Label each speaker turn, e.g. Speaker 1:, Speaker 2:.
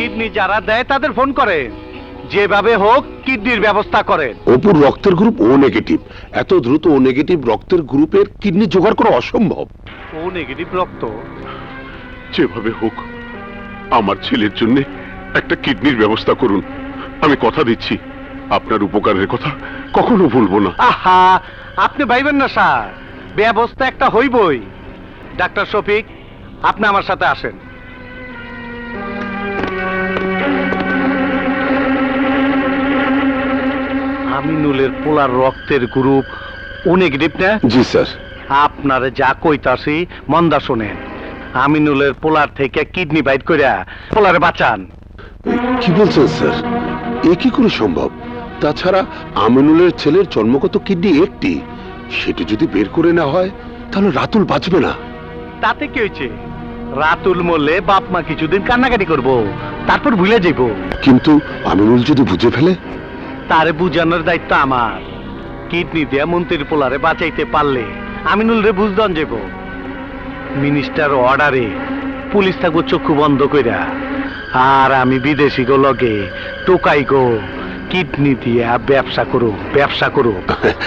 Speaker 1: Kidney যারা দেয় তাদের ফোন করে, যেভাবে হোক কিডনির ব্যবস্থা করেন।
Speaker 2: অপুর রক্তের গ্রুপ ও নেগেটিভ, এত দ্রুত ও নেগেটিভ রক্তের গ্রুপের কিডনি জোগাড় করা অসম্ভব।
Speaker 1: ও নেগেটিভ রক্ত?
Speaker 3: যেভাবে হোক আমার ছেলের জন্য একটা কিডনির ব্যবস্থা করুন। আমি কথা দিচ্ছি আপনার উপকারের কথা কখনো ভুলবো না।
Speaker 1: আহা, আপনি ভাইবেন না স্যার, ব্যবস্থা একটা হইবই। ডাক্তার শফিক, আপনি আমার সাথে আসেন। আমিনুলের পোলার রক্তের গ্রুপ ও নেগেটিভ না?
Speaker 2: জি স্যার।
Speaker 1: আপনারে যা কইতাছি মন্দা শোনেন। আমিনুলের পোলার থেকে কিডনি বাইট কইরা পোলারে বাঁচান।
Speaker 2: কি বলছেন স্যার? এ কি করে সম্ভব? তাছাড়া আমিনুলের ছেলের জন্মগত কিডনি একটি, সেটা যদি বের করে না হয় তাহলে রাতুল বাঁচবে না।
Speaker 1: তাতে কি হয়েছে? রাতুল মরলে বাপ মা কিছুদিন কান্নাকাটি করব, তারপর ভুলে যাইব।
Speaker 2: কিন্তু আমিনুল যদি বুঝে ফেলে?
Speaker 1: তারে বুঝানোর দায়িত্ব আমার। কিডনি দিয়া মন্ত্রীর পোলারে বাঁচাইতে পারলে আমিনুল রে বুঝদান যাব। মিনিস্টার অর্ডারে পুলিশ থাকবো চক্ষু বন্ধ কইরা, আর আমি বিদেশি গো লগে টোকাই গো কিডনি দিয়া ব্যবসা করো।